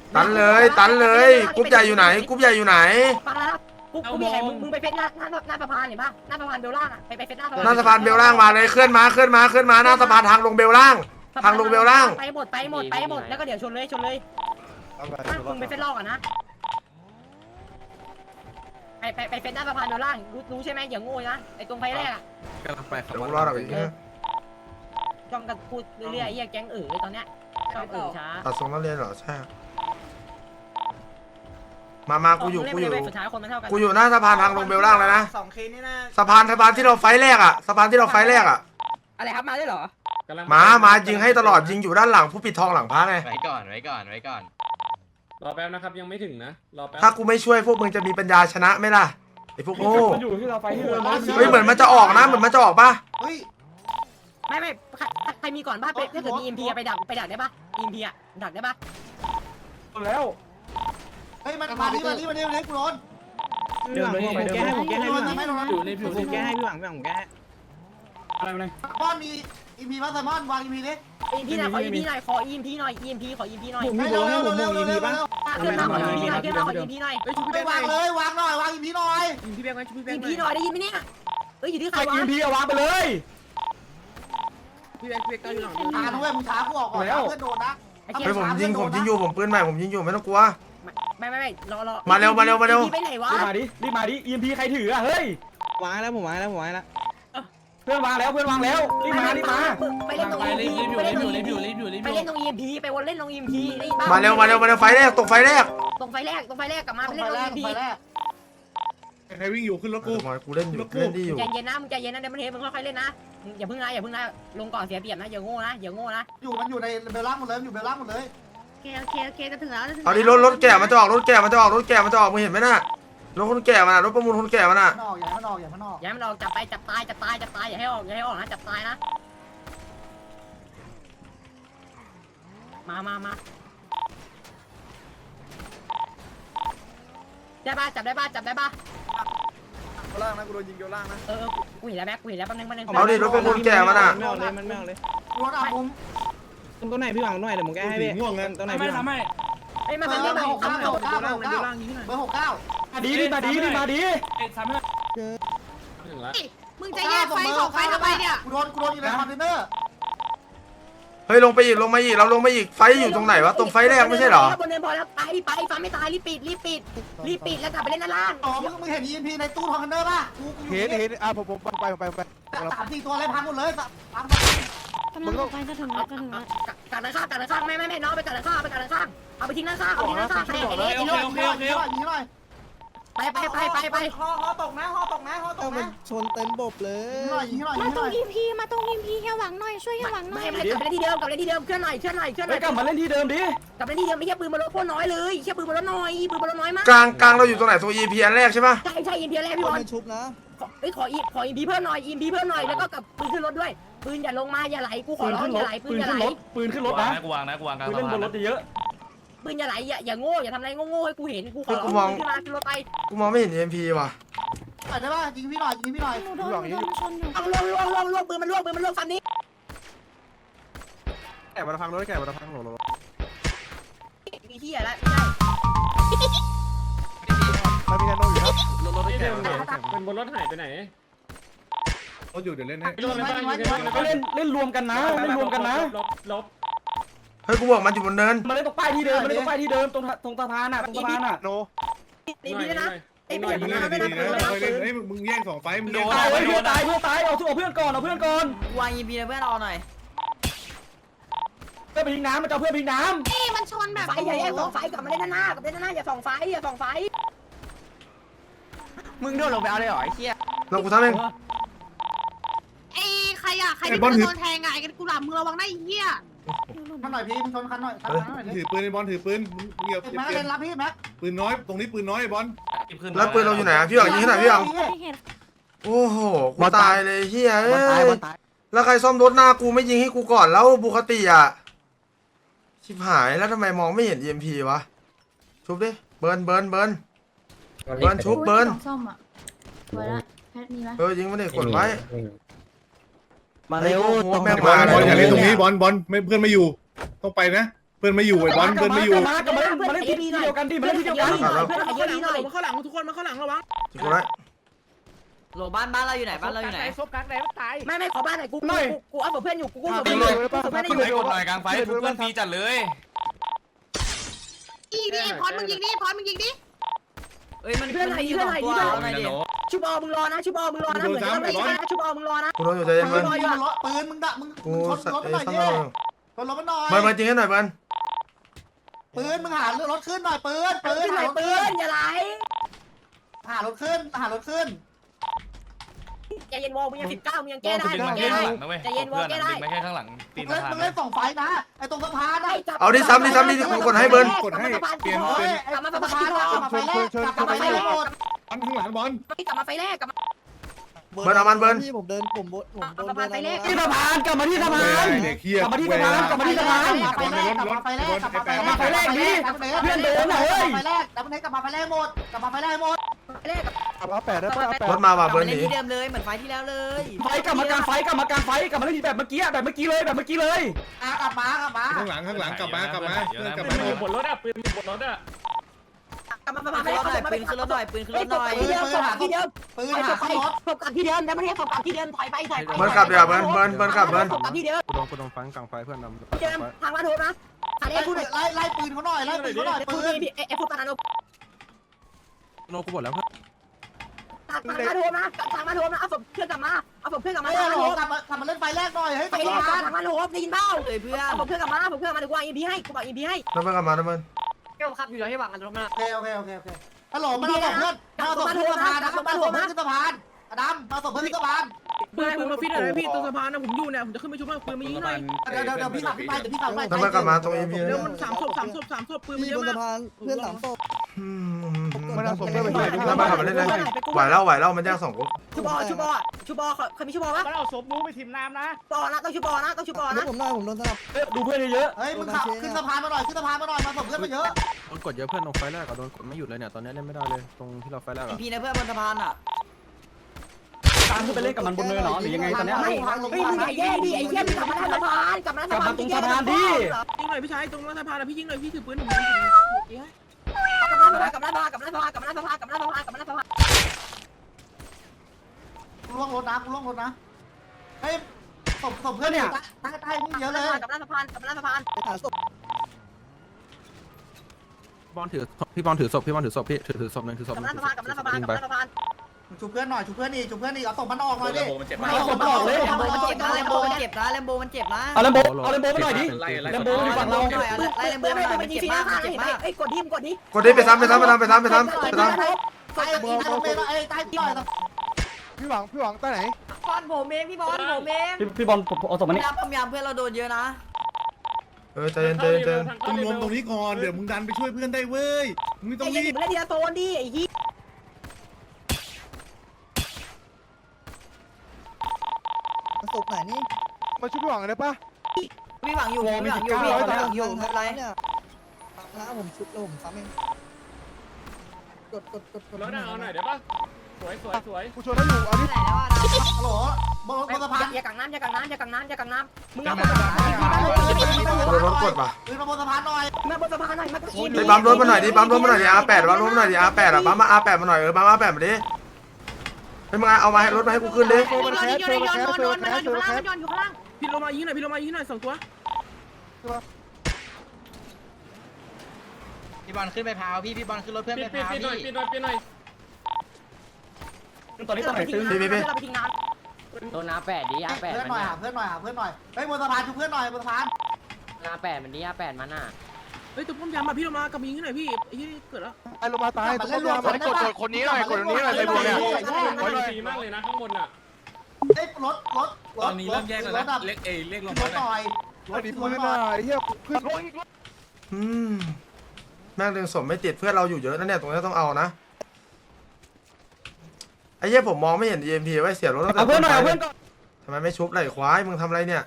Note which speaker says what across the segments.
Speaker 1: ตันเลยกรุ๊ปใหญ่อยู่ไหนกรุ๊ปใหญ่อยู่ไหน
Speaker 2: ฟังนะกูมีไงมึงไปเฟซหน้าสะพานเห็นปะหน้าสะพานเบลล่างอ่ะไปเฟซหน้า
Speaker 1: หน้าสะพานเบลล่างมาเลยเคลื่อนมาหน้าสะพานทางลงเบลล่างทางลงเบลล่าง
Speaker 2: ไปหมดแล้วก็เดี๋ยวชนเลยมึงไปเฟซลอกอ่ะนะไปเฟซหน้าสะพานเบลล่างรู้ใช่ไหมอย่าโง่นะไอ้ตรงไฟแรกอ่ะ
Speaker 3: กำลังไปครับ
Speaker 1: เดี๋ยวรอดอีก
Speaker 2: จ้องกันพูดเรื่อยๆไอ้แก๊งตอนเนี้ยชอบช้า
Speaker 1: ตัดทรงนักเรียนเหรอใช่มากูอยู่
Speaker 2: สุดท้ายคนมันเท่ากัน
Speaker 1: กูอยู่หน้าสะพานทางลงเบลล่างแล้วนะ
Speaker 4: 2 เคสนี่นะ
Speaker 1: สะพานที่เราไฟแรกอะสะพานที่เราไฟแรกอะ
Speaker 2: อะไรครับมาได้เหรอ
Speaker 1: มายิงให้ตลอดยิงอยู่ด้านหลังผู้ปิดทองหลังพระไง
Speaker 5: ไว้ก่อน
Speaker 6: รอแป๊บนะครับยังไม่ถึงนะรอแป๊บ
Speaker 1: ถ้ากูไม่ช่วยพวกมึงจะมีปัญญาชนะไหมล่ะไอ้พวกโง่
Speaker 6: มันอยู่ที่เราไฟที่เดิม
Speaker 1: เฮ้ยเหมือนมันจะออกนะเหมือนมันจะออกปะ
Speaker 4: เฮ้ย
Speaker 2: ไม่ใครมีก่อนบ้านถ้าเกิดมี EMP ไปดักได้ปะ EMP อ่ะดักได้ปะ
Speaker 6: แล้ว
Speaker 4: เฮ้ยมันมาดิกูโดน
Speaker 3: เดินไปแก้ให้ผมแก้ให้
Speaker 4: ไม่โดน
Speaker 3: อยู่ในผิวผมแก้ให้พี่หวังผมแก้ให้
Speaker 6: อะไรมาเลย
Speaker 4: บอลมีอีพีมาไซมอนวางอีพีดิ
Speaker 2: EMP หน่อยขอ EMP หน่อยขอ EMP หน่อย EMP ขอ EMP หน่อย
Speaker 3: ผมมีโบให้ผมมองอีพีป่ะ
Speaker 2: ขึ้นมาขอ EMP หน่อยขึ้นมาขอ EMP หน่อย
Speaker 4: ไปวางเลยวางหน่อยวางอีพีหน่อย
Speaker 3: พี่แบงค์ไว้พี่แบงค์
Speaker 2: EMP หน่อยได้ยินไหมเนี่ยเอ้ยอยู่ที่ใครวะ
Speaker 6: EMP เอาวางไปเลย
Speaker 3: พี่แบงค์ก็อยู่หลัง
Speaker 4: ช้าด้วยมึงช้ากูออกก่อนเพื่อนโดนนะ
Speaker 2: ไอ้เกีย
Speaker 1: เฮ้ยผมยิงอยู่ผมปืนใหม่ผมยิงอยู่ไม่ต้องกลัว
Speaker 2: ไม่รอ
Speaker 1: มาเร็ว
Speaker 2: ไปไหนวะ
Speaker 6: รีบมาดิ EMP ใครถืออ่ะเฮ้ยว
Speaker 3: างแล้วผมวางแล้ว
Speaker 6: เพื่อนวางแล้วรีบมา
Speaker 2: ไปเล่นตรง EMP ไปเล่นตรง EMP ไปวนเล่นตรง EMP นี่บ้า
Speaker 1: มาเร็วไฟแรกตกไฟแรก
Speaker 2: ตรงไฟแรกกลับมาไปเล่นตรง EMP
Speaker 7: ใครวิ่งอยู่ขึ้นรถกู
Speaker 1: กูเล่นอยู่เล่นดีอยู่
Speaker 2: ใจเย็นนะมึงใจเย็นนะเดี๋ยวมันเทมึงค่อยๆเล่นนะอย่าพึ่งนะลงก่อนเสียเปรียบนะอย่าโง่นะ
Speaker 4: มันอยู่ในเบลล่างหมดเลยอยู่เบลล่างหมดเลย
Speaker 2: โอเคจะถึงแล้ว
Speaker 1: เอาดิรถแก่มันจะออกมึงเห็นไหมน่ะรถคนแก่มันรถประมูลคนแก่มันอ่ะ
Speaker 4: มันออกอย่ามันออก
Speaker 2: อย่าให้มันออกจับตายอย่าให้ออกนะจับตายนะมาได้ป่ะจับได้ป่ะ
Speaker 3: ล่างนะกูโดนยิงเดียวล่างนะ
Speaker 2: กูเห็นแล้วแม็กกูเห็นแล้วแป๊บนึง
Speaker 1: เอาดิรถประมูลแก่มันอ่ะ
Speaker 3: ไม่เอาเลย
Speaker 4: รถอาบุ้ม
Speaker 3: ตรงไหนพี่หวังหน่อยเดี๋ยวผมแก้ให้พี่ตรงไหนพี่หวัง
Speaker 2: ไอ้มันเป็นเรื่องของเขา
Speaker 4: เบอร์69
Speaker 6: ดีมาดิถึงแล้ว
Speaker 2: มึงจะแยกไฟของไฟทำไมเนี่ย
Speaker 4: กูโดนอยู่ในคอนเทนเนอร์
Speaker 1: เฮ้ยลงมาอีกเราลงมาอีกไฟอยู่ตรงไหนวะตรงไฟแรกไม่ใช่เหรอบ
Speaker 2: นเนินพอแล้วไปฟ้าไม่ตายรีบปิดแล้วกลับไปเล่นด้านล่าง
Speaker 4: อ๋อมึงเห็น EMP ในตู้คอนเทนเนอร์ป่ะกู
Speaker 7: เห็นผมไป
Speaker 4: 3-4 ตัวเลยพังหมดเลยพัง
Speaker 8: กำลังออกไปจะถึงแล้ว
Speaker 2: กัดด้านข้างไม่น้องไปกัดด้านข้างเอาไปทิ้งด้านข้างใส่ไอ้
Speaker 4: ยิงหน่อย
Speaker 2: ไป
Speaker 4: ฮอตกนะ
Speaker 3: ชนเต็มบบเลย
Speaker 4: ยิงหน่อย
Speaker 8: มาตรงอีพีเฮียหวังหน่อยช่วยเฮียหวังหน่อย
Speaker 2: ไม่กลับไปที่เดิมเคลื่อนหน่อย
Speaker 6: กลับมาเล่นที่เดิมดิ
Speaker 2: กลับไปที่เดิมไม่ใช่ปืนบอลรถโคตรน้อยเลยแค่ปืนบอลรถน้อยมาก
Speaker 1: กลางเราอยู่ตรงไหนตัว EP อันแรกใช่ปะ
Speaker 2: ใช่อินเดียแรกพี่บอล
Speaker 3: ชุบนะ
Speaker 2: ขออินพีเพิ่มหน่อยแล้วก็กับปืนขึ้นรถด้วยปืนอย่าลงมาอย่าไหลกูขอร้องอย่าไหลปืนอย่าไหล
Speaker 6: ปืนขึ้นรถนะกูวางปืนเล่นบนรถเยอะ
Speaker 2: ปืนอย่าไหลอย่าโง่อย่าทำอะไรโง่ให้กูเห็นกูขอร้องขึ้นมาขึ้นรถไป
Speaker 1: กูมองไม่เห็น MP ว่ะ
Speaker 4: ได้ป่ะยิงพี่หน่อย
Speaker 8: หนูโดนชนอยู่
Speaker 2: ล่วงปืนมันล่วงฟันนี้
Speaker 3: แกะมาพังรถรถ
Speaker 2: มีที่อะไร
Speaker 3: มันมีแนโนอยู่นะรถ
Speaker 6: ๆ
Speaker 3: แกะ
Speaker 6: เป็นบนรถหายไปไหน
Speaker 7: เขาอยู่เดี๋ยวเล่นให้
Speaker 6: เล่นรวมกันนะลบ
Speaker 1: เฮ้ยกูบอกมันอยู่บนเนิน
Speaker 6: มาเล่นตรงป้ายที่เดิมตรงสะพานอ่ะ
Speaker 3: โน
Speaker 7: โน
Speaker 2: ตีดีนะไอ้
Speaker 7: มึ
Speaker 2: เปียก
Speaker 7: ง
Speaker 2: มัน
Speaker 7: เล่น
Speaker 2: ไม่
Speaker 7: ดี
Speaker 2: ได้
Speaker 7: ๆนะเคยเล่นเฮ้ยมึงแย่ง2 ไฟมึงแย่ง
Speaker 6: ตายเพื่อนตายเอาเพื่อนก่อน
Speaker 2: วาง EMP เพื่อนเอาหน่อย
Speaker 6: เพื่อนไปทิ้งน้ำมันจะเพื่อนไปทิ้งน้ำ
Speaker 8: นี่มันชนแบบ
Speaker 2: ไฟอย่าแยกสองไฟกลับมาเล่นหน้าอย่าส่องไฟมึงโดนลงไปเอาเลยเหรอไอ้เหี้ย
Speaker 1: เรากูทำเอง
Speaker 8: ไอ้ใครอ่ะใครที่โดนแทงไงกันกูหลับมึงระวังได้เฮีย
Speaker 4: คันหน่อยพี่มึงชนคันหน่อย
Speaker 7: ถือปืนไอ้บอลถือปืนมึงเหยียบ
Speaker 4: แม็กเล่นรับพี่แม็ก
Speaker 7: ปืนน้อยตรงนี้ปืนน้อยไอ้บอล
Speaker 1: แล้วปืนเราอยู่ไหนพี่หวังยิงให้หน่อยพี่หวัง
Speaker 8: ไม่เห็น
Speaker 1: โอ้โหกูตายเลยเฮียเอ้ยแล้วใครซ่อมรถหน้ากูไม่ยิงให้กูก่อนแล้วบุคติอ่ะชิบหายแล้วทำไมมองไม่เห็น EMP วะชุบดิเบิร์นชุบเบิร์น
Speaker 8: ส้มอ่ะไว้ละแพทมีไหม
Speaker 1: ยิงมันดิกดไว้
Speaker 3: มาเร็ว
Speaker 1: แม่ง
Speaker 7: บอ
Speaker 1: มา
Speaker 7: ลอย่าเล่นตรงนี้บอลไม่เพื่อนไม่อยู่ต้องไปนะปืนไม่อยู่ไอ้บอลปืนไม่อยู่
Speaker 6: มากลับมาเล่นที่เดียวกันดิมาเล่นที่เดียวกัน
Speaker 2: เพื่อนเยอะดีหน่อย
Speaker 3: มาข้างหลังทุกคนมาข้างหลังระวัง
Speaker 1: จิกูได้
Speaker 5: โหลบ้านเราอยู่ไหนบ้านเราอยู่ไหน
Speaker 3: ซบกักไหนมันตาย
Speaker 2: ไม่ขอบ้านหน่อยกูเอาเพื่อนอยู่กูเอา
Speaker 3: ไป
Speaker 2: เพื่อนอ
Speaker 3: เล
Speaker 2: ยู่
Speaker 3: ยป่ะ
Speaker 2: เพื่อน
Speaker 3: ไป
Speaker 2: อยู่
Speaker 3: เลยหน่อยกลางไฟทุกคนฟรีจัดเลย
Speaker 8: อีนี่พอนมึงยิงดิพอนมึงยิงดิ
Speaker 5: เอ้ยมันมันอยู่2ตัวเอาหน่อยดิ
Speaker 2: ชุบอมึงรอนะชุบอมึงรอนะเหมือนจะไม่ใช่นะชุบอมึงรอนะ
Speaker 1: กูโดนอยู่ใจเย็น
Speaker 4: ปื
Speaker 1: เบิ้
Speaker 4: น
Speaker 1: ล
Speaker 4: ปืนมึงด่ามึง
Speaker 1: กู
Speaker 4: ชนรถมันหน่อย
Speaker 1: ซ่อม
Speaker 4: ดิ
Speaker 1: เรา
Speaker 4: ชนรถมันหน่อย
Speaker 1: เบิ้ลจริงให้หน่อยเบิ้ล
Speaker 4: ปืนมึงหารถขึ้นหน่อยปืน
Speaker 2: ขึ้นหน่อยปืนอย่าไหล
Speaker 4: หารถขึ้นหารถขึ้น
Speaker 2: ใจเย็นวอลมึงยัง19มึงยังแก้ได้แก้ได้ใจเย็นวอลแก้ได้
Speaker 3: ไม่แค่ข้างหลังตีน
Speaker 4: มึงเล่น2ไฟนะไอ้ตรงสะพานนะ
Speaker 1: เอาดิซ้ำดิกูกดให้เบิ้ล
Speaker 7: กดให้เปลี่ยน
Speaker 4: เฮ้
Speaker 7: เป็น
Speaker 4: ยไอ้สะพานกลับมาไฟแรกกลับมาไฟแรกหมด
Speaker 7: บอลข้างหลังบอล
Speaker 2: กลับมาไฟแรกกลับมา
Speaker 1: เบิ้ลเอามันเบิ้ล
Speaker 2: ที่สะพานไฟแรก
Speaker 6: ที่สะพานกลับมาที่สะพาน
Speaker 7: เด็กเฮีย
Speaker 4: กลับมาไฟแรกกลับมาไฟแรกกลับมาไฟแรกกลับมาไฟแรกเพื่อนโดนเฮ้ยไฟแรกกลับมาไฟแรกหมดกลับมาไฟแรกหมด
Speaker 2: ไฟแรก
Speaker 1: รถมาว่ะ
Speaker 5: กลับ
Speaker 1: เบิ้
Speaker 5: มา
Speaker 1: ลห
Speaker 5: เล่น
Speaker 1: นี
Speaker 5: ที่เดิมเลยเหมือนไฟที่แล้วเลย
Speaker 6: ไฟกลับมากลางไฟกลับมากลางไฟกลับมาเล่นแบบเมื่อกี้แบบเมื่อกี้เลยแบบเมื่อกี้เลย
Speaker 4: กลับมา
Speaker 7: ข้างหลังกลับมากลับมาเพื่อนกลับมา
Speaker 3: บนรถอ่ะปืนบนรถอ่ะ
Speaker 2: กลับมา
Speaker 5: ปืนขึ้นรถหน่อยปืนขึ้นรถหน่อยปืนขึ้นรถหน่อย
Speaker 2: ที่เดิมที่เดิม
Speaker 4: ปืนหาขึ้นรถ
Speaker 2: ศพกับที่เดิมแล้วไม่ใช่ศพกับที่เดิมถอยไปถอยไป
Speaker 1: เบิ้ลกลับเดี๋ยวเบิ้ลกลับเบิ้ล
Speaker 2: ศพกับที่เดิม
Speaker 9: กูโดนฟังกลางไฟเพื่อนนำ
Speaker 2: ที่เดิมทางมาโทรนะทางนี้พูดหน่อย
Speaker 4: ไล่ปืนเขาหน่อยไล่ปืนเขาหน่อย
Speaker 2: พู
Speaker 4: ปื
Speaker 2: ด
Speaker 4: น
Speaker 2: ดิเอฟพูดปานาโน
Speaker 9: โนกูหมดแล้วเพื่อน
Speaker 2: ทางมาโทรนะทางมาโทรนะเอาศพเพื่อนกลับมาเอาศพเพื่อนกลับมา
Speaker 4: เฮ้ย
Speaker 2: ทาง
Speaker 4: ห
Speaker 2: มา
Speaker 4: ล
Speaker 2: โทร
Speaker 4: กลับมาเล่นไฟแรกหน่อยเฮ้ย
Speaker 2: ไปเลยทางมาโทรได้ยินเปล่า
Speaker 5: เลยเพื่อน
Speaker 2: เอาศพเพื่อนกลับมาผมเพื่อนมาเดี๋ยวกูวางอีพีให้กูวางอีพีให้
Speaker 1: แล้วเบิ้ลกลับมาแล้วเบิ้ล
Speaker 2: เกี่ยวครับอยู่แล้วให้วางกันตรงนั้น
Speaker 4: โอเคฮัลโหลมาเอาศพเพื่อนมาเอาศพขึ้นสะพานนะครับมาเอาศพเพื่อนขึ้นสะพานอดัมมาเอาศพเพื่อนขึ้นสะพาน
Speaker 3: ปืนมาฟิตอะไรพี่ตรงสะพานนะผมอยู่เนี่ยผมจะขึ้นไปชุบปืนมายิงหน่อย
Speaker 4: เดี๋ยวพี่สั่งไปเดี๋ยวพี่สั่งไป
Speaker 1: แล้วเบิ้ลกลับมาตรงเอ็มพี
Speaker 3: เดี๋ยวมัน3 ศพปืนมันเยอะมาก
Speaker 9: เพื่อนหลังโต
Speaker 1: มันเอาสมเพื่อนไปแล้วมาขับมาเล่นเลยไหวแล้วมันแยก2กู
Speaker 2: ชุบอเคยมีชุบอวะ
Speaker 3: มันเอาศพมูไปทิมน้ำนะ
Speaker 2: ปอนะต้องชุบอนะต้องชุบอนะ
Speaker 9: ผมโดนสลับ
Speaker 6: ดูเพื่อนเยอะ
Speaker 4: เฮ้ยมึงขับขึ้นสะพานมาหน่อยขึ้นสะพานมาหน่อยมาศพเพื่อนมาเยอะ
Speaker 9: โดนกดเยอะเพื่อนลงไฟแรกโดนกดไม่หยุดเลยเนี่ยตอนนี้เล่นไม่ได้เลยตรงที่เราไฟแรก
Speaker 5: พีนะเพื่อนบนสะพานอ่ะ
Speaker 6: ตามขึ้นไปเล่นกับมันบนเนินหรอหรือยังไงตอนนี้
Speaker 2: ไม่มึงอย่าแย่ดิไอ้เหี้ยมึงกลับมาทางสะพานกลับมาทางสะพาน
Speaker 3: ยิงหน่อยพี่ชายตรงสะพานนะพี่ยิงหน่อยพี่ถือปืนผม
Speaker 2: กลับมาสะพานกลับมาสะพานกลับมาสะพานกลับมาสะพานกลับมาสะพาน
Speaker 4: กูล่วงรถนะเฮ้ยศพเพื่อนเนี่ยใต้นี่เยอะเลย
Speaker 2: กลับมาสะพานกลับมาสะพาน
Speaker 9: บอลถือพี่บอลถือศพพี่ถือศพนึงถือศพ
Speaker 2: กลับมาสะพานกลับมาสะพานกลับมาสะพาน
Speaker 4: ชุบเพื่อนหน่อยเอาศพมันออกหน่อยดิ
Speaker 5: เอาผมบอกเลยแลมโบมันเจ็บนะแลมโบมันเจ็บนะแลมโบมันเจ็บนะ
Speaker 6: เอาเลมโบมาหน่อยดิเลมโบอยู่ฝั่งเรา
Speaker 5: ไล่แลมโบมาหน่อยมันเจ็บมากมันเจ็บมาก
Speaker 2: ไอ้กดดิมกดดิ
Speaker 1: กดดิไปซ้ำ
Speaker 4: ใต้ใต้หน่อย
Speaker 9: พี่หวังใต้ไหน
Speaker 5: บอลผมเองพี่บอลผมเอง
Speaker 6: พี่บอลเอาศพมานี่
Speaker 5: พยายามเพื่อนเราโดนเยอะนะ
Speaker 1: ใจเย็น
Speaker 7: มึงรวมตรงนี้ก่อนเดี๋ยวมึงดันไปช่วยเพื่อนได้เว้ยมึงไม่ต้
Speaker 2: ไอ้
Speaker 7: อง
Speaker 2: เหี้ย
Speaker 7: รีบ
Speaker 2: มึงเล่นทีละโซนดิไอ้เหี้ย
Speaker 9: ศพไหนนี่มาช่วยพี่หวังได้ปะ
Speaker 5: พี่หวังอยู่พี่หวังอยู่ไม่เป็นไร
Speaker 9: นะผมชุบแล้วผมซ้ำเองกด
Speaker 3: รถเอาหน่อยเดี๋ยวป่ะสวย
Speaker 9: กูชนได้อยู่เอาดิ
Speaker 5: ไหนแล้วอ่ะ
Speaker 4: ฮัลโหลบนสะพาน
Speaker 2: อย่ากังน้ำมึงเอา
Speaker 1: โดนรถกดป่ะ
Speaker 4: ปืนมาบนสะพานหน่อย
Speaker 2: มาบนสะพานหน่อยมาอี
Speaker 1: ไปปั๊มรถมาหน่อยดิปั๊มรถมาหน่อยดิ R8 ปั๊มรถมาหน่อยดิ R8 อ่ะปั๊มมา R8 มาหน่อยปั๊ม R8 มาดิไปมึงเอามาให้รถมาให้กูขึ้นดิ
Speaker 8: โยนอยู่ข้างล่าง
Speaker 3: พี่ลงมายิงหน่อย2 ตัว
Speaker 6: พี่บอลขึ้นไปพาวพี่บอลขึ้นรถเพื่อนไปพาวพี่
Speaker 3: หน่อย
Speaker 6: ตอนนี้ต้องไหนตึง
Speaker 2: เราไปทิ้งน้ำ
Speaker 6: โดนอาแปดดิอาแปด
Speaker 4: เพื่อนหน่อยหาเพื่อนหน่อยเฮ้ยบนสะพานชุบเพื่อนหน่อยบนสะพาน
Speaker 6: อาแปดมันดิอาแปดมันอ่ะ
Speaker 3: เฮ้ยตัวป้อมยามมาพี่ลงมากับยิงหน่อยพี่ไอ้ที่เกิดแล้ว
Speaker 9: ไอ้ลงมาตาย
Speaker 4: เล่นรวมกันได้ปะ
Speaker 9: คนนี้หน่อยในบวกเนี่ย
Speaker 3: ฟรีมากเลยนะข้างบนอ่ะ
Speaker 4: เฮ้ยรถรถเล็กลงมาหน่อยรถ
Speaker 9: ดีปืนหน่อยเฮียเพื่อน
Speaker 1: แม่งดึงสมไม่ติดเพื่อนเราอยู่เยอะนะเนี่ยตรงนี้ต้องเอานะไอ้เหี้ยผมมองไม่เห็น EMP ไว้เสียรถตั้งแต่
Speaker 6: เอาเพื่อนหน่อยเอาเพื่อนก่อน
Speaker 1: ทำไมไม่ชุบไหลควายมึงทำอะไรเนี่ย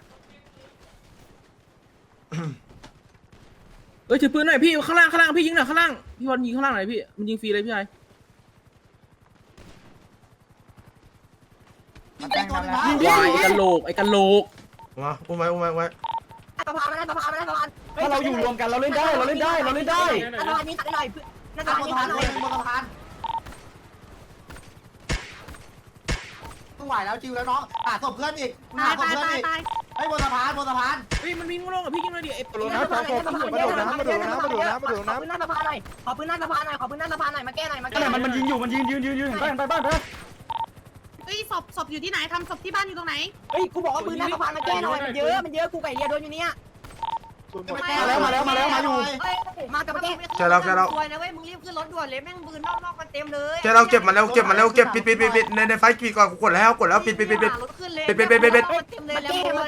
Speaker 3: ถือปืนหน่อยพี่ข้างล่างพี่ยิงหน่อยข้างล่างพี่บอลยิงข้างล่างหน่อยพี่มันยิงฟรีเลยพี่ชาย
Speaker 4: ยิงตัวนึงนะ
Speaker 3: ยิงดิไอ้กันโหลก
Speaker 1: มาอุ้มไว้
Speaker 2: สะพานมาหน้าสะพานมาหน้าสะพาน
Speaker 6: ถ้าเราอยู่รวมกันเราเล่นได้เราเล่นได้เราเล่นได้
Speaker 2: หน้าสะพานนี้ตัดได้หน่อยหน้าสะ
Speaker 4: ตาม
Speaker 2: พาน
Speaker 4: บน
Speaker 2: นี้
Speaker 4: สะ
Speaker 2: ตั
Speaker 4: พา
Speaker 2: ด
Speaker 4: น
Speaker 2: หน่อย
Speaker 4: บนสะพานไม่ไหวแล้วจิวแล้วน้องหาศพเพื่อนอีกหา
Speaker 8: ตาย
Speaker 4: ศพ
Speaker 8: ตาย
Speaker 4: เพื่อน
Speaker 8: ตาย
Speaker 4: อีก
Speaker 8: ตาย
Speaker 4: ไอ้บนสะพานบนสะพาน
Speaker 3: เฮ้ยมันวิ่งลงกับพี่ยิงเลยดิไอ้
Speaker 9: มาดูน้ำมาดูน้ำมาดูน้ำมาดูน้ำมาดูน้ำ
Speaker 2: ขอปืนหน้าสะพานหน่อยขอปืนหน้าสะพานหน่อยขอปืนหน้าสะพานหน่อยมาแก้หน่อยมา
Speaker 6: นั่
Speaker 2: แก้
Speaker 6: นแหละ
Speaker 2: หน่อย
Speaker 6: มันยิงอยู่มันยืนเห็นป่ะเห็นไปบ้านไป
Speaker 8: เฮ้ยศพอยู่ที่ไหนทำศพที่บ้านอยู่ตรงไหน
Speaker 2: เฮ้ยกูบอกว่าปืนหน้าสะพานมาแก้หน่อยมันเยอะกูไก่เรียโดนอยู่เนี่ย
Speaker 6: มาแล้วมาอยู่
Speaker 2: มากลับมาแก้
Speaker 1: แกเรา
Speaker 5: สวยนะเว้ยมึงรีบขึ้นรถด่วนเลยแม่งปืนนอกมันเต็มเลย
Speaker 1: แกเราเก็บมาแล้วเก็บมาแล้วเก็บปิดในไฟปิดก่อนกูกดแล้วปิด
Speaker 5: รถขึ้นเลย
Speaker 2: มาแก้ปืนรีบขึ้นรถ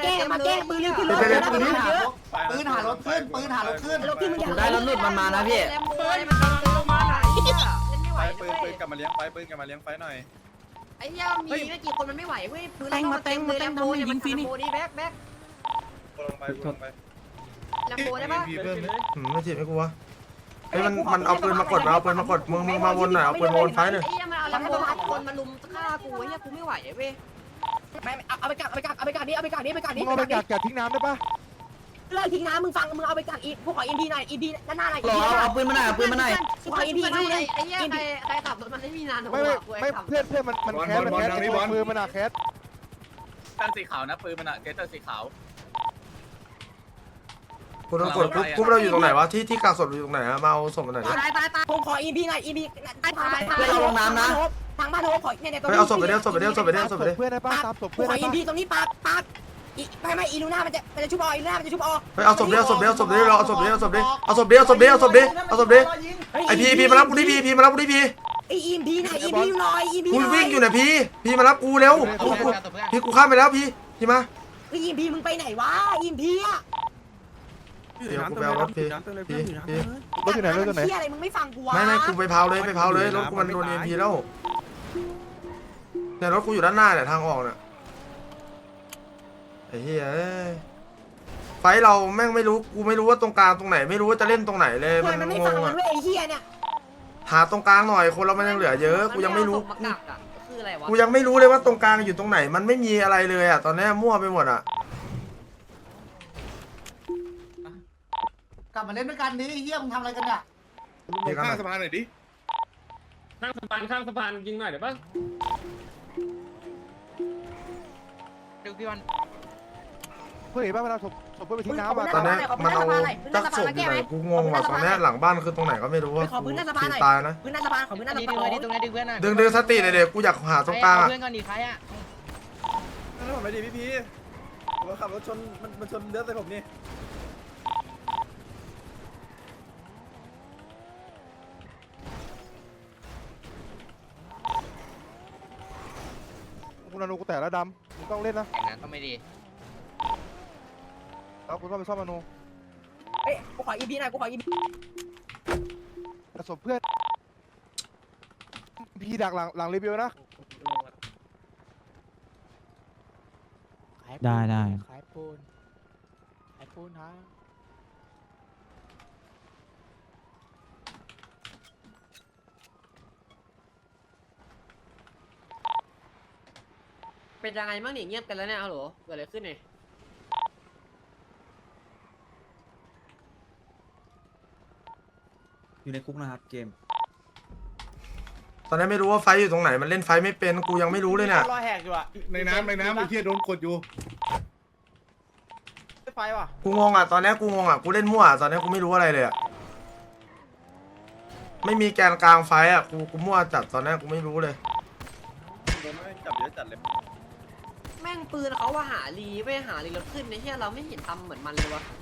Speaker 4: ปืนหารถขึ้นปืนหารถขึ้น
Speaker 2: รถขึ้นมึงอย่า
Speaker 5: ได้รถหลุดมันมานะพี่เฮ้ยมันเต็มเลยมาไหนเนี่ยเล่นไม่ไหว
Speaker 7: ปืนกลับมาเลี้ยงไฟปืนกลับมาเลี้ยงไฟหน่อย
Speaker 5: ไอ้เหี้ยมีไม่กี่คนมันไม่ไหวเว้ยปืนเราเต็มเลยแลมโบเนี่ยมันแลมโบนี่แบ็ค
Speaker 7: ลงไปลงไป
Speaker 5: แลมโบได้ปะ
Speaker 7: เพิ่ม
Speaker 1: ไม่ถีบไม่กูวะเฮ้ยมันเอาปืนมากดเอาปืนมากดมึงมาวนหน่อยเอาปืนมาวนไฟหน่อย
Speaker 5: ไอ้เหี้ยมันเอาแลมโบคนมาลุมฆ่ากูไอ้เหี้ยกูไม่ไหวเว้ย
Speaker 2: ไม่เอาไปกักนี้
Speaker 9: มึงเอาไปกัดทิ้งน้ำได้ปะ
Speaker 2: เลิกทิ้งน้ำมึงฟังมึงเอาไปกักอีกพวกขออินพีหน่อยอินพีด้านหน้าหน่อย
Speaker 5: เอาปืนมาหน่อยเอาปืนมาหน่อย
Speaker 2: กูขออินพีดูเลย
Speaker 5: ไอ้เหี้ยใครขับรถมันไม่มีนานหรอก
Speaker 9: ไม่เพื่อนมันแคสมือมันอะแคส
Speaker 3: ตั้งสีขาวนะปืนมันอะเกตเตอร์สีขาว
Speaker 1: กูโดนกดกูเราอยู่ตรงไหนวะที่กักศพอยู่ตรงไหนอะมาเอาศพมาหน่อย
Speaker 8: ตาย
Speaker 2: ผมขออินพีหน่อยอินพีทางบ้านโฮขอเนี่ย
Speaker 1: เฮ้ยเอาศพไปเดียวศพไปเดียว
Speaker 9: เพื่อนได้ปะตามศพ
Speaker 2: กู
Speaker 9: เพื่อน
Speaker 2: ขอ
Speaker 9: ได้
Speaker 2: อิน
Speaker 9: ปะ
Speaker 2: พีตรงนี้ปากไม่อีลูน่ามันจะชุบอีลูน่ามันจะชุบ
Speaker 1: เฮ้ยเอาศพเดียวเราเอาศพเดียวไอพีมารับกูที่พีมารับกูที่พี
Speaker 2: ไออินพีหน่อยอินพีหน่อยอินพี
Speaker 1: กูวิ่งอยู่เนี่ยพีมารับกูเร็วกูข้ามไปแล้วพีมา
Speaker 2: อินพีมึงไปไหนวะอินพีอะ
Speaker 1: เดี๋ยวกูไปเอารถพี
Speaker 9: รถอยู่ไหนรถอยู่ไหน
Speaker 2: เฮียอะไรมึงไม่ฟังกูวะ
Speaker 1: ไม่กูไปเผาเลยรถกูมันโดนพีแล้วเนี่ยรถกูอยู่ด้านหน้าเนี่ยทางออกเนี่ยไอ้เหี้ยไฟเราแม่งไม่รู้กูไม่รู้ว่าตรงกลางตรงไหนไม่รู้ว่าจะเล่นตรงไหนเลย
Speaker 2: มันไม่
Speaker 1: ง
Speaker 2: ฟัง
Speaker 1: ง
Speaker 2: มั
Speaker 1: อะ
Speaker 2: นด้วยไอ้เฮียเนี่ย
Speaker 1: หาตรงกลางหน่อยคนเรามันยังเหลือเยอะกูยังไม่รู้
Speaker 5: คืออะไรวะ
Speaker 1: กูยังไม่รู้เลยว่าตรงกลางอยู่ตรงไหนมันไม่มีอะไรเลยอ่ะตอนนี้มั่วไปหมดอ่ะ
Speaker 4: กลับมาเล่นด้วยกันดิเฮียมึงทำอะไรกันเนี่ย
Speaker 7: ลงข้างสะพานหน่อยดิ
Speaker 3: ข้างสะพานยิงหน่อยเดี๋ยวป่ะ
Speaker 5: ดูพี่วัน
Speaker 9: เพื่อนเห็นป่ะเวลาศพเพื่อนไปทิ้งน้ำอะ
Speaker 1: ตอนนี้มันเอาจักศพอยู่ไหนกูงงว่ะตอนนี้หลังบ้านคือตรงไหนก็ไม่รู้ว่ากูตายนะ
Speaker 2: พื้นหน้าสะพานขอพื้นหน้าสะพาน
Speaker 5: ตรงนี้ดึงเพื่อนหน่อย
Speaker 1: ดึงสติเลยเด็กกูอยากหาตรงกลางอ่ะ
Speaker 5: เพื่อนก่อนดิใครอ่ะ
Speaker 7: นั่นผมไม่ดีพี่ผมขับรถชนมันชนเลือดใส่ผมนี่
Speaker 9: กูนาโนกูแตกแล้วดำมึงต้องเล่นนะ
Speaker 5: อย่างนั้นก็ไม่ดี
Speaker 9: แล้วกูต้องไปซ่อมนาโน
Speaker 2: เอ้ยกูขออีพีหน่อยกูขออีพี
Speaker 9: กระสบเพื่อนพีดักหลังรีวิวนะ
Speaker 6: ได้
Speaker 9: ขายปูนฮะ
Speaker 5: เป็นยังไงบ้างเนี่ยเงียบกันแล้วเนี่ยฮัลโหลเกิดอะไรขึ้นเนี่ย
Speaker 3: อยู่ในคุกนะครับเกม
Speaker 1: ตอนนี้ไม่รู้ว่าไฟอยู่ตรงไหนมันเล่นไฟไม่เป็นกูยังไม่รู้เลยเนี่ย
Speaker 6: รอแหกอยู่อะ
Speaker 7: ในน้ำไอ้เหี้ยโดนกดอยู่
Speaker 6: ไฟว่ะ
Speaker 1: กูงงอ่ะตอนนี้กูงงอ่ะกูเล่นมั่วตอนนี้กูไม่รู้อะไรเลยอ่ะไม่มีแกนกลางไฟอ่ะกูมั่วจัดตอนนี้กูไม่รู้เลย
Speaker 7: โดนไม่จับเยอะจัดเลย
Speaker 5: แม่งปืนเขาว่าหาลีไม่หาลีรถขึ้นในที่เราไม่เห็นทำเหมือนมันเลยวะ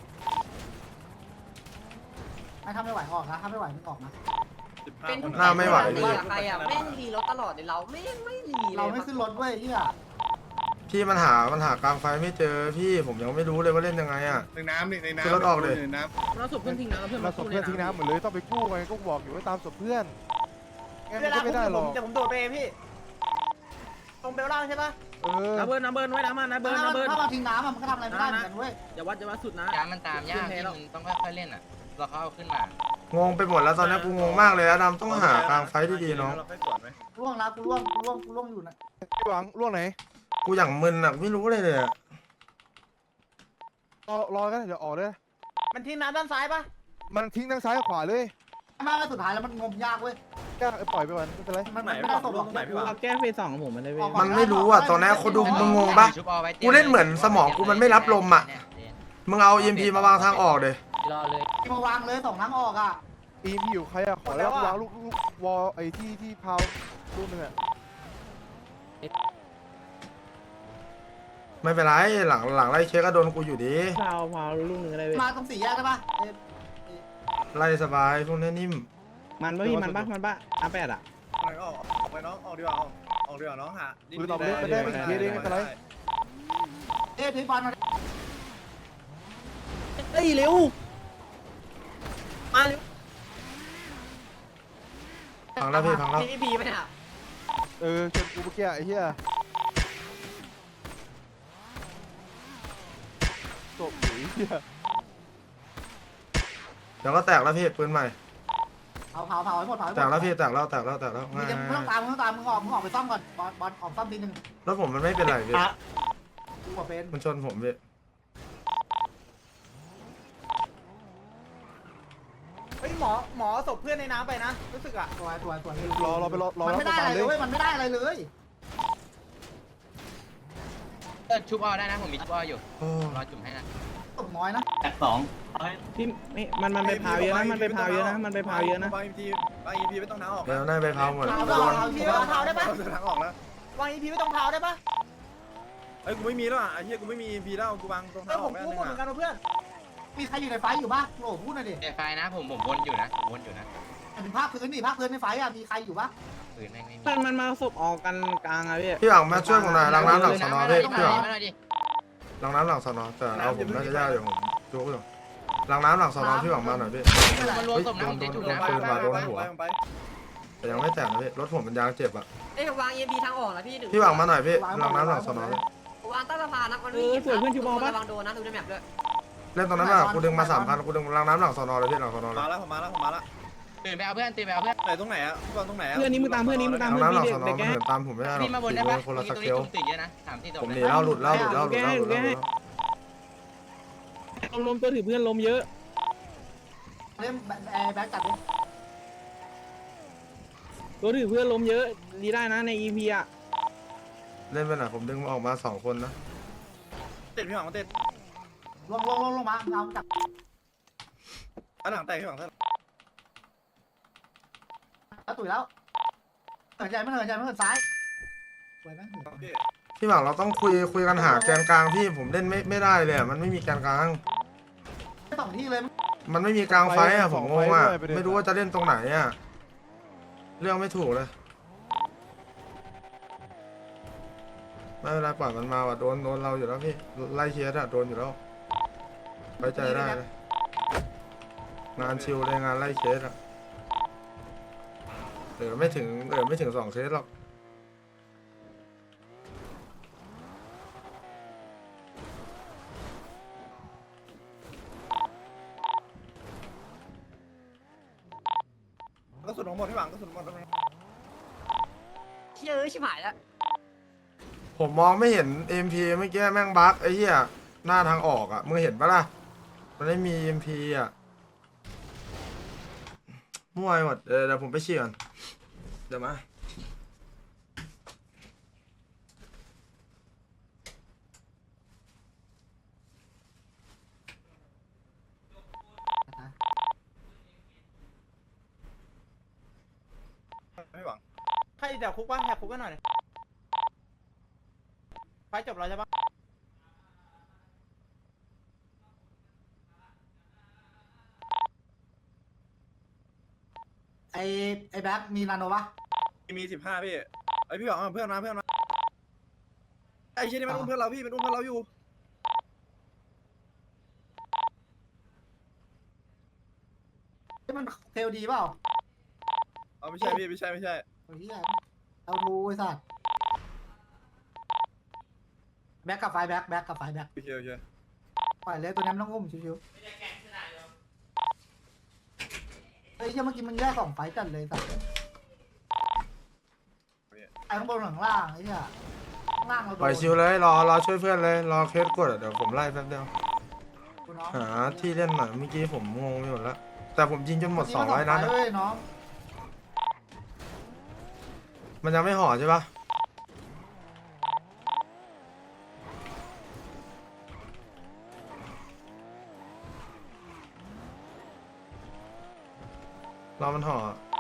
Speaker 4: ไม่ทำไม่ไหวออกนะทำไม่ไหวมึงออกนะ
Speaker 5: เป็นทุก
Speaker 1: หน้าไม่ไหว
Speaker 5: ลีใครอ่ะแม่งลีรถตลอดเลยเราไม่ลีเลย
Speaker 4: เราไม่ขึ้นรถเว้ยเฮีย
Speaker 1: พี่มันหากลางไฟไม่เจอพี่ผมยังไม่รู้เลยว่าเล่นยังไงอ่ะ
Speaker 7: ในน้ำนี่ในน้ำ
Speaker 1: คือรถออกเลย
Speaker 7: ในน้ำ
Speaker 3: เราศพเพื่อนทิ้งน้ำเพื่อน
Speaker 9: เราศพเพื่อนทิ้งน้ำหมดเลยต้องไปกู้ไงก็บอกอยู่ว่าตามศพเพื่อนงั้นมันก็ไม่ได้หรอก
Speaker 6: เดี๋ยวผมโดดไปพี่ตรงเบลล่างใช่ปะ
Speaker 9: น้ำเบิร์น
Speaker 3: น้ำเบิร์นไว้น้ำมันน้ำเบิร์น
Speaker 4: ถ้าเราทิ้งน้ำมันก็ทำอะไรไม่ได้เหมือนกันเว้ย
Speaker 3: อย่าวัดสุดนะ
Speaker 5: ยามันตามยากที่มึงต้องค่อยๆเล่นอ่ะเราเขาเอาขึ้นมาง
Speaker 1: งไปหมดแล้วตอนนี้กูงงมากเลยอะดำต้องหากลางไฟดีๆน้อง
Speaker 7: เราไปสวนไหม
Speaker 4: ล่วงนะกูล่วงอยู่นะ
Speaker 9: หวังล่วงไหน
Speaker 1: กูอย่างมึนอ่ะไม่รู้เลยเลยอะ
Speaker 7: รอกันเดี๋ยวออกเลย
Speaker 6: มันทิ้งน้ำด้านซ้ายปะ
Speaker 7: มันทิ้งทั้งซ้ายกับขวาเลย
Speaker 4: มากสุดท้ายแล้วมันงมยากเว้ย
Speaker 7: ก็ปล่อยไปก่อนไม่เป็นไร
Speaker 4: มันไม่ได้ส่งหรอกไหนพี่วะ
Speaker 3: เอาแก้เฟส 2ของผมมันได้เว้ย
Speaker 1: มันไม่รู้อ่ะตอนนี้คนดูมึงงงปะกูเล่นเหมือนสมองกูมันไม่รับลมอ่ะมึงเอา EMP มาวางทางออกเลย
Speaker 2: รอเลย
Speaker 4: มาวางเลย2ทางออกอ่ะ
Speaker 7: อีมอยู่ใครอะขอแล้ววางลูกวอลไอ้ที่พาวลูกนึงอะ
Speaker 1: ไม่เป็นไรหลังไล่เช็คก็โดนกูอยู่ดี
Speaker 3: พาวลูกหนึ่งก็ได้เว้ย
Speaker 4: มาตรง4แยกได้ปะ
Speaker 1: ไล่สบายพวกนี้นิ่ม
Speaker 3: มันปะพี่มันปะอาแปดอ่ะ
Speaker 7: ออกไปน้องออกดีกว่าออกดีกว่าน้องหาปืนออกไปได้ไม่กี่ทีเองไม่เป็นไร
Speaker 4: ถือบอลมา
Speaker 3: เฮ้ยเร็ว
Speaker 2: มาเร็ว
Speaker 1: พังแล้วพี่พังแล้ว
Speaker 5: พี่ไปเนี่ย
Speaker 7: เชนกูเมื่อกี้ไอ้เหี้ยจบหรือเหี้ย
Speaker 1: เดี๋ยวก็แตกแล้วพี่ปืนใหม่
Speaker 4: เผาให้หมด
Speaker 1: แตกแล้วพี่แตกแล้ว
Speaker 4: มึงต้องตามมึงออกไปซ่อมก่อนบอลออกซ่อมทีนึง
Speaker 1: รถผมมันไม่เป็นไรพี่
Speaker 4: กูว่าเป็น
Speaker 1: มันชนผมพี่
Speaker 6: เฮ้ยหมอศพเพื่อนในน้ำไปนะรู้สึกอ่ะ
Speaker 4: ตัว
Speaker 7: รอไปรอ
Speaker 4: มันไม่ได้อะไรเลยมันไม่ได้อะไรเลย
Speaker 5: ชุบออได้นะผมมีชุบอออยู่
Speaker 1: โอ้
Speaker 5: รอจุ่มให้นะ
Speaker 4: ตกน้อยนะ
Speaker 3: พี่ไม่มันไปพาวเยอะนะมันไปพาวเยอะนะมันไปพาวเยอะนะ
Speaker 7: บางอีพีไม่ต้องน้าออก
Speaker 1: เดี๋ยวน่าไปเผาหมด
Speaker 6: วาง
Speaker 1: โดน
Speaker 6: อีพีไม่ต้องเผาได้ปะ
Speaker 7: ทางออกแล้ว
Speaker 6: วางอีพีไม่ต้องเผาได้ปะ
Speaker 7: เอ้ยกูไม่มีแล้วอ่ะไอ้เหี้ยกูไม่มีอีพีแล้วกูวางตรง
Speaker 6: เอ
Speaker 7: ทา
Speaker 6: อง
Speaker 7: อ
Speaker 6: ผ
Speaker 7: อก
Speaker 6: ม
Speaker 7: แม่
Speaker 6: กู้
Speaker 7: นึ
Speaker 6: หมดเหมือนกัน
Speaker 7: ง
Speaker 6: นะเพื่อน
Speaker 4: มีใครอยู่ในไฟอยู่ปะโหพูดหน่อยดิ
Speaker 5: ไฟนะผมวนอยู่นะผมวนอยู่นะ
Speaker 4: ถึงภาคพื้นดิภาคพื้นในไฟอ่ะมีใครอยู่ปะ
Speaker 5: ปืนแม่งไม่มี
Speaker 3: มันมาศพออกกันกลางอะพี่
Speaker 1: พี่หวังมาช่วยผมหน่อยล้างน้ำหลังสนอพี่พี่หวัง
Speaker 5: มาหน่อยดิ
Speaker 1: ล้างน้ำหลังสนอแต่เอาผมน่าจะยากอยู่ผมจุกอยู่ล้างน้ำหลังสนอพี่หวังมาหน่อยพี่
Speaker 5: มันรวมศพนะผมจะจุ่มนะ
Speaker 1: ปืนมาโดนหัวแต่ยังไม่แตกนะพี่รถผมมันยางเจ็บอ่ะ
Speaker 5: เอ้ยวาง EMP ทางออกนะพี่ถึง
Speaker 1: พี่หวังมาหน่อยพี่ล้างน้ำหลังสนอพี่
Speaker 5: วางใต้สะพานนะมันระวังโดนนะดูในแมปด้วย
Speaker 1: เล่นตรงนั้นอ่ะกูดึงมา3,000กูดึงล้างน้ำหลังสนอเลยพี่หลังสนอเลย
Speaker 7: มาแล้วผมมาแล้ว
Speaker 5: ตื่นไปเอาเพื่อนตื่นไปเอาเพื่อน
Speaker 7: ไหนตรงไหนอ่ะวางตรงไหนอ่ะ
Speaker 3: เพื่อนนี้มึงตามเพื่อนนี้มึงตาม
Speaker 1: ล้าง
Speaker 3: เพื่อน
Speaker 1: น้ำหลัง
Speaker 3: พี่
Speaker 1: สนอ
Speaker 3: เด็ก
Speaker 1: มัน
Speaker 3: แก
Speaker 1: เหินตามผมไม่ได้หรอก
Speaker 5: พี่มาบนได้ปะ
Speaker 1: คนละส
Speaker 5: ตรง
Speaker 1: เก
Speaker 5: นี้
Speaker 1: ล
Speaker 5: จุ่มตื่นเยอะนะ3 4ศพ
Speaker 1: ผมห
Speaker 5: เล
Speaker 1: นี
Speaker 5: ย
Speaker 1: แล้วหลุดแล้ว
Speaker 3: ลมตัวถือเพื่อนลมเยอะ
Speaker 4: เล่นแบ็คจัดดิ
Speaker 3: ตัวถือเพื่อนลมเยอะดีได้นะใน EP อ่ะ
Speaker 1: เล่นไปหน่อยผมดึงออกมา2คนนะ
Speaker 7: ติดพี่หวังติด
Speaker 4: ลงมาเอาจับ
Speaker 7: อันหลังแตกพี่หวังท่าน
Speaker 4: แล้วตุ๋ยแล้วเหินใจไม่เหินซ้ายสวยไหม
Speaker 7: พี่
Speaker 1: พี่หวังเราต้องคุยกันหาแกนกลางพี่ผมเล่นไม่ได้เลยมันไม่มีแกนกลาง
Speaker 4: 2ที่เลย
Speaker 1: มันไม่มีกลางไฟอ่ะผมงงอ่ะไม่รู้ว่าจะเล่นตรงไหนอ่ะเรื่องไม่ถูกเลยไม่เป็นไรปล่อยมันมาว่ะโดนเราอยู่แล้วพี่ไล่เคสอ่ะโดนอยู่แล้วไว้ใจได้เลยงานชิลเลยงานไล่เคสอ่ะไม่ถึง2เคสหรอก
Speaker 7: ก็สุดของหมดพี่หวังก็สุดหมด
Speaker 5: เชื่อชิบหายแล้ว
Speaker 1: ผมมองไม่เห็น MP เมื่อกี้แม่งบั๊กไอ้เหี้ยหน้าทางออกอ่ะมึงเห็นปะล่ะมันไม่มี MP อ่ะมั่วไปหมดเดี๋ยวผมไปเชี่ยก่อนเดี๋ยวมา
Speaker 7: พี่หวัง
Speaker 6: ใครเดี๋ยวคุกปะแหกคุกกันหน่อยไฟจบแล้วใช่ปะ
Speaker 4: ไอ้แบ็คมีนาโนปะ
Speaker 7: มี15พี่ไอพี่หวังเพื่อนมาไอ้เชี่ยนี่มันอุ้มเพื่อนเราพี่มันอุ้มเพื่อนเราอยู่
Speaker 4: มันเทลดีเปล่า
Speaker 7: เอาไม่ใช่พี่ไม่ใช่
Speaker 4: โอ้ยเอาทูไอ้สัตว์แบ็คกับไฟแบ็คกับไฟแบ็ค
Speaker 7: โอเค
Speaker 4: ปล่อยเลยตัวนี้ไม่ต้องอุ้มชิวๆเฮ้ยเมื่อกี้มันแยก2ไฟจัดเลยสัตว์ไอ้ข้างบนข้างล่างไอ้เนี่ยข้างล่างเราโด
Speaker 1: ปล่อย
Speaker 4: น
Speaker 1: ชิวเลยรอช่วยเพื่อนเลยรอเคสกดอะเดี๋ยวผมไล่แป๊บเดียว
Speaker 4: น้อง
Speaker 1: หาที่เล่นหน่อยเมื่อกี้ผมงงไปหมดแล้วแต่ผมยิงจนหมด200นัด
Speaker 4: เว้ยน้อง
Speaker 1: มันยังไม่ห่อใช่ปะรอมันห่อ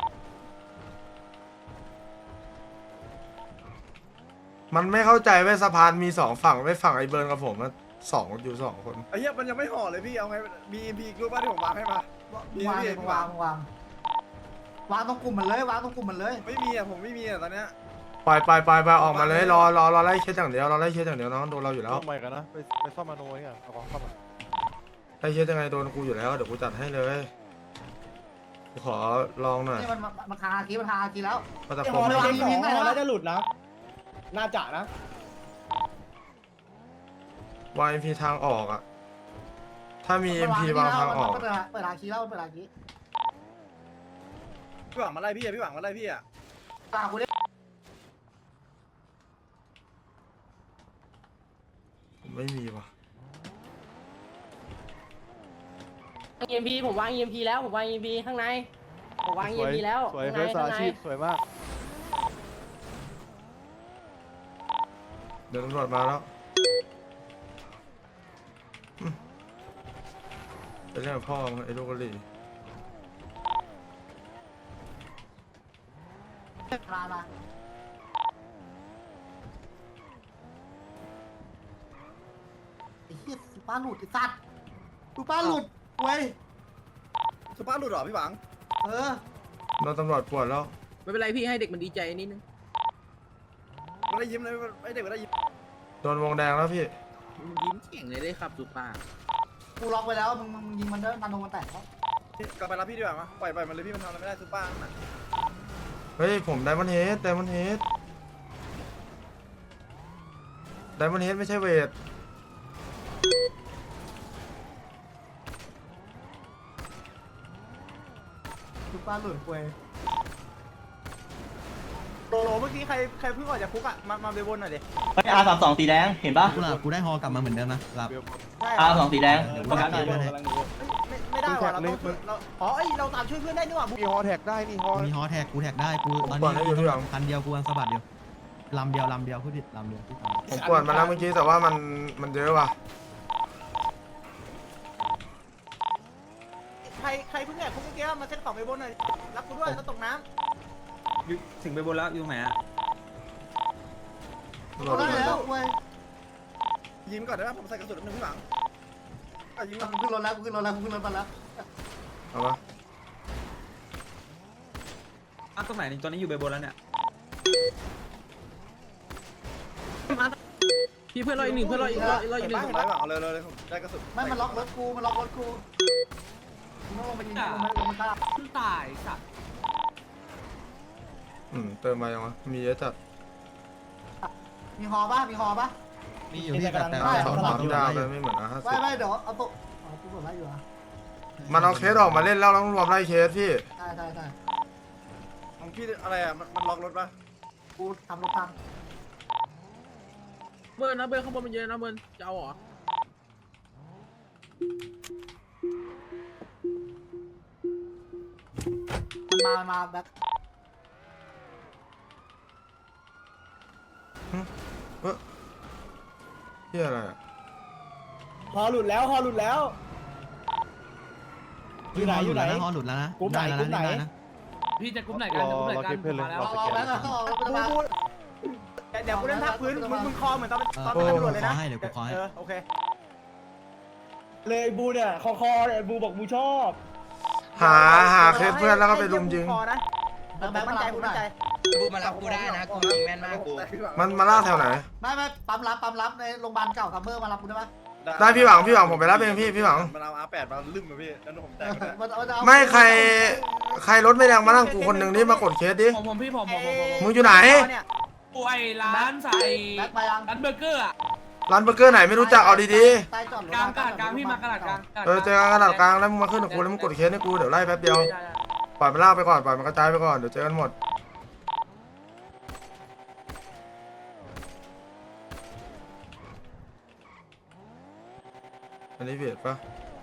Speaker 1: มันไม่เข้าใจเว้ยสะพานมี2ฝั่งไว้ฝั่งไอ้เบิร์นกับผมนะอยู่2คน
Speaker 7: ไอ้เหี้ยมันยังไม่ห่อเลยพี่เอาไงมีอีกรูปบ้านที่ผมวางให้มาว
Speaker 4: างเลยมึงวางตรงกลุ่มมันเลยวางตรงกลุ่มมันเลย
Speaker 7: ไม่มีอ่ะผมไม่มีอ่ะตอนเนี้ย
Speaker 1: ไปออกมาเลยรอไล่เคสอย่างเดียวรอไล่เคสอย่างเดียวน้องโดนเราอยู่แล้ว
Speaker 3: ต้องใหม่กันนะไปซ่อมมาโนนี่เอาของซ่อม
Speaker 1: ไล่เคสยังไงโดนกูอยู่แล้วเดี๋ยวกูจัดให้เลยกูขอลองหน่อย
Speaker 4: นี่มันคาคีมันคาคีแล้ว
Speaker 1: มาตะ
Speaker 3: ไอ้
Speaker 1: ค
Speaker 3: ฮอ
Speaker 1: ม
Speaker 3: เราเช็คของฮอแล้วจะหลุดนะน่าจะนะ
Speaker 1: วาง MP ทางออกอ่ะถ้ามี MP วางทางออก
Speaker 4: เปิดหาคีแล้วเปิดหาคี
Speaker 7: พี่หวังมาไล่พี่อ่ะพี่หวังมาไล่พี่อ่ะ
Speaker 4: ตากูเนี่ย
Speaker 1: ผมไม่มีว่ะ
Speaker 2: EMP ผมวาง EMP แล้วผมวาง EMP ข้างในผมวาง EMP แล้ว
Speaker 3: สวย
Speaker 2: ข้าง
Speaker 3: เฟ
Speaker 2: ใน
Speaker 3: ส
Speaker 2: ข้าง
Speaker 3: อา
Speaker 2: ใน
Speaker 3: ชีพสวยมาก
Speaker 1: เดี๋ยวตำรวจมาแล้วไปเรื่องกับพ่อมึงไอ้ลูกกะหรี่
Speaker 4: มาไอ้เหี้ยป้าหลุดไอ้สัตว์ดูป้าหลุดเว้ย
Speaker 7: สุภาพหลุดหรอพี่หวัง
Speaker 1: โดนตำรวจปวดแล้ว
Speaker 6: ไม่เป็นไรพี่ให้เด็กมันดีใจนิดนึง
Speaker 7: ไม่ได้ยิ้มเลยไอเด็กไม่ได้ยิ้ม
Speaker 1: โดนวงแดงแล้วพี่
Speaker 6: ยิ้มเก่งเลยได้ครับสุป้า
Speaker 4: กูล็อกไว้แล้วมึงยิงมันเด้อมันโดนมันแตกแล้ว
Speaker 7: กลับไปรับพี่ดีกว่ามาปล่อยมันเลยพี่มันทำอะไรไม่ได้สุภาพนะ
Speaker 1: เฮ้ยผมไดมอนด์เฮดไม่ใช่เวท
Speaker 4: ดูป้าหลุดเว้ย
Speaker 3: โลเมื่อกี้ใครเพิ่งออกจากคุกอ่ะมาเบลบนหน่อยดิ
Speaker 6: R32สีแดงเห็นปะ
Speaker 9: กูได้ฮอกลับมาเหมือนเดิมนะหลับ
Speaker 6: R2สีแดงประกันหน่อย
Speaker 3: ไม่ได้ว่ะเราอ๋อเราตามช่วยเพื่อนได้นี่หว่ามีฮอแท็กได้นี่ฮอ
Speaker 9: มีฮอแท็กกูแท็กได้กูตอนนี้คันเดียวกูวางสะบัดเดียวลำเดียวพูดผิดลำเดียวที่
Speaker 1: ผมปวดมาแล้วเมื่อกี้แต่ว่ามันเยอะว่ะ
Speaker 3: ใครเพิ่งแอบคุกเมื่อกี้มาเซ็ตของเบลบนหน่อยรับกูด้วยแล้วตกน้
Speaker 6: ถึงไปบนแล้วอยู่ไหนอะ
Speaker 1: รอดู
Speaker 4: ได้แล้วเว้ย
Speaker 7: ยิ้มก่อนได้ไหมผมใส่กระสุนนึงพี่หวังยิ้ม
Speaker 4: กูขึ้นรถแล้วกูขึ้นรถแล้วมาแล้ว
Speaker 1: เอาปะ
Speaker 6: ตรงไหนตอนนี้อยู่ไปบนแล้วเนี่ยพี่เพื่อนเราอีกหนึ่งเพื่อนเราอีก
Speaker 7: เราอยู่ในถุงไรหวังเอาเลยผมได้กระสุน
Speaker 4: ไม่มันล็อกรถกูมึงต้องลงไปยิงลงมาฆ่า
Speaker 6: ตายสัตว์
Speaker 1: เติมมายังวะมีเยอะจัด
Speaker 4: มีฮอป่ะ
Speaker 9: มีอยู่ที่แต่
Speaker 1: สองปั๊มยาวไปไม่เหมือน50
Speaker 4: ไม่เดี๋ยวเอาตัวกูกดไล่อยู่อ่ะ
Speaker 1: มันเอาเคสออกมาเล่นแล้วต้องรวมไล่เคสพี่
Speaker 4: ใช่
Speaker 7: ของพี่อะไรอ่ะมันล็อกรถป่ะ
Speaker 4: กูทำรถพัง
Speaker 6: เบิร์นนะเบิร์นข้างบนมันเยอะนะเบิร์นจะเอาเหรอ
Speaker 4: มันมาแบบ
Speaker 1: เฮียอะไรอะ
Speaker 3: ำฮอหลุดแล้วอยู่ไหน
Speaker 9: ฮอหลุดแล้วนะได้แล้วนะได้นะ
Speaker 6: พี่จะกลุ่มไหนกันจะกลุ่มไหนกันมาแล้ว
Speaker 4: เอาแบงค์เขาออกแล้วมา
Speaker 3: เดี๋ยวกูเล่นภาคพื้นมึงคอเหมือนตอนเป็นตำรวจเลยนะโอเคเลยบูเนี่ยคอเนี่ยบูบอกบูชอบ
Speaker 1: หาเคสเพื่อนแล้วก็ไปลุมยิง
Speaker 4: แบงค์มั่นใจ
Speaker 6: บูมารับกูได้นะกูยิงแม่นมากกู
Speaker 1: มันมาล่าแถวไหน
Speaker 4: ไม่ปั๊มรับในโรงพยาบาลเก่าซัมเมอร์มารับกูได้ไหม
Speaker 1: ได้พี่หวังผมไปรับเองพี่หวัง
Speaker 7: มันเอา R8 มาลืมมาพี่แล้วผมแตก
Speaker 1: ไม่ใครรถไม่แรงมานั่งกูคนหนึ่งนี่มากดเคสดิ
Speaker 6: ผมพี่ผม
Speaker 1: มึงอยู่ไหน
Speaker 6: กูไอ้ร้านใส่
Speaker 4: แบ็คมายัง
Speaker 6: ร้านเบอร์เกอร์อะ
Speaker 1: ร้านเบอร์เกอร์ไหนไม่รู้จักเอาดี
Speaker 4: ใต้จอดรถ
Speaker 6: กลางพี่มากระดาษกลาง
Speaker 1: ๆเจอกันกระดาษกลางแล้วมึงมาขึ้นกับกูแล้วมึงกดเคสให้กูเดี๋ยวไล่แป๊บเดียวปล่อยมันล่าไปก่อนปล่อยมันกระจายไปก่อนเดี๋ยวเจอกันหมดอันนี้เบียดปะ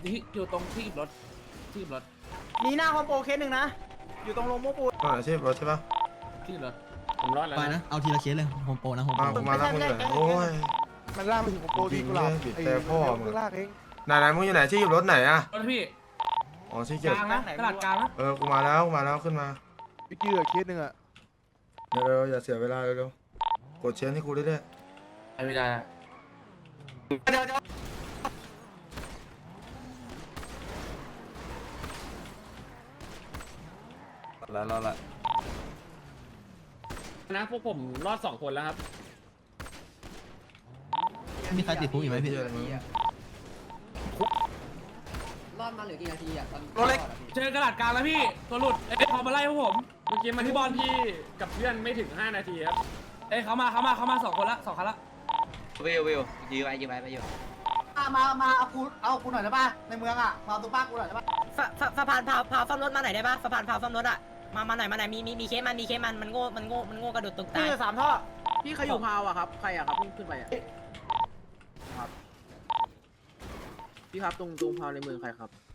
Speaker 3: อยู่ตรงที่รถที่รถ
Speaker 6: มีหน้าคอมโปเคสหนึ่งนะอยู่ตรงโรงโม่ปูน
Speaker 1: อาชีพรถใช่ปะ
Speaker 3: ที่รถผมรอดแล้ว
Speaker 9: ไปนะเอาทีละเคสเลยโฮมโปรนะโฮมโปร
Speaker 1: กูมาแล้วมึงอยู่ไหนโอ้ย
Speaker 6: มันล่ากไปถึงคอมโปที่กูหลับ
Speaker 1: บีบแต่พ่อมึง
Speaker 6: ลากเอง
Speaker 1: ไหนมึงอยู่ไหนที่รถไหนอะ
Speaker 3: รถพี่
Speaker 1: อ๋อที่
Speaker 3: ก
Speaker 1: เก็บ
Speaker 3: ลางนะตลาดกลางนะ
Speaker 1: กูมาแล้วขึ้นมา
Speaker 6: พี่เกือเคสหนึ่งอะ
Speaker 1: เร็วๆอย่าเสียเวลาเร็วๆกดเชนให้กูเรื่อย
Speaker 3: ไม่ได้
Speaker 7: แล้วละ
Speaker 3: นะพวกผมรอด2 คนแล้วครับ
Speaker 9: มีใครติดคุกอีกไหม
Speaker 1: ๆ
Speaker 9: พี่
Speaker 1: เหี้ยอะไรมึง
Speaker 5: รอดมาเหลือกี่นาทีอ่ะตอน
Speaker 3: รถเล็กเจอกระดาษกลางแล้วพี่ตัวหลุดเขามาไล่พวกผมเมื่อกี้มาที่บอลพี่กับเพื่อนไม่ถึง5 นาทีครับเขามา2 คนละ2 คันละ
Speaker 5: วิวยื้อไว้ไปอยู่
Speaker 4: มาเอากูหน่อยได้ป่ะในเมืองอ่ะมาตัวป้ากูหน่อยได้ป่ะ
Speaker 2: สะพานพาวซ่อมรถมาไหนได้ปะสะพานพาวซ่อมรถอะมาไหนมีเคสมันมันโง่กระโดดตกตาย
Speaker 6: พี่3ท่อ
Speaker 3: พี่ใครอยู่พาวอะครับใครอะครับขึ้นไปอะพี่ครับตรงพาวในเมืองใครครับ